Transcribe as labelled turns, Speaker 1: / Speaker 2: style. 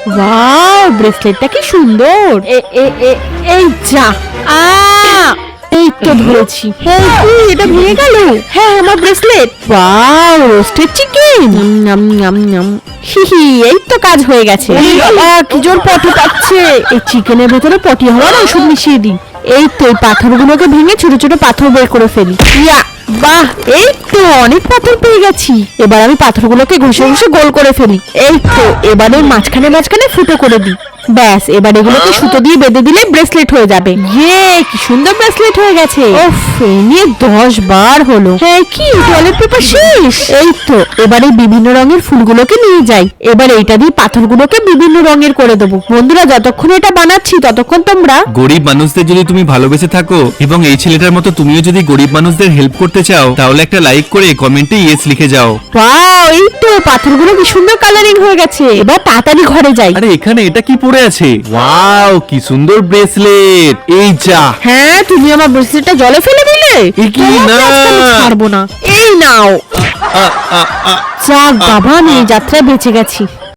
Speaker 1: Wow, ব্রেসলেটটা কি সুন্দর। এই যা, এই তো ধরেছি। এটা ভেঙে গেল। হ্যাঁ, আমার ব্রেসলেট। Wow, roasted chicken. এই তো কাজ হয়ে গেছে। কি জোর পটি পাচ্ছে। এই চিকেনের ভেতরে পটি হওয়ার ওষুধ মিশিয়ে দিই। এই তো এই পাথরগুলোকে ভেঙে ছোট ছোট পাথর বের করে ফেলি। বাহ, এই তো অনেক পাথর পেয়ে গেছি। এবার আমি পাথরগুলোকে ঘষে ঘষে গোল করে ফেলি। এই তো এবারে মাঝখানে মাঝখানে ফুটো করে দিই। ব্যাস, এবার এগুলোকে সুতো দিয়ে বেঁধে দিলে ব্রেসলেট হয়ে যাবে। কি সুন্দর ব্রেসলেট হয়ে গেছে। ওফ, এই নিয়ে 10 বার হলো। হ্যাঁ, কি টয়লেট পেপার শেষ। এই তো এবারে বিভিন্ন রঙের ফুলগুলোকে নিয়ে যাই। এবার এইটা দিয়ে পাথরগুলোকে বিভিন্ন রঙের করে দেবো। বন্ধুরা, যতক্ষণ এটা বানাচ্ছি ততক্ষণ তোমরা
Speaker 2: গরিব মানুষদের যদি তুমি ভালোবেসে থাকো এবং এই ছেলেটার মতো তুমিও যদি গরিব মানুষদের হেল্প করতে চাও, তাহলে একটা লাইক করে কমেন্টে ইয়েস লিখে যাও।
Speaker 1: ওয়াও, এই তো পাথরগুলো কি সুন্দর কালারিং হয়ে গেছে। এবার তাড়াতাড়ি ঘরে যাই।
Speaker 2: আরে এখানে এটা কি পড়ে আছে? ওয়াও, কি সুন্দর ব্রেসলেট। এই যা।
Speaker 1: হ্যাঁ, তুমি আমার ব্রেসলেটটা জলে ফেলে দিলে।
Speaker 2: এ কি না,
Speaker 1: ছাড়বো না। এই নাও। যাক বাবা, আমি এই যাত্রায় বেঁচে গেছি।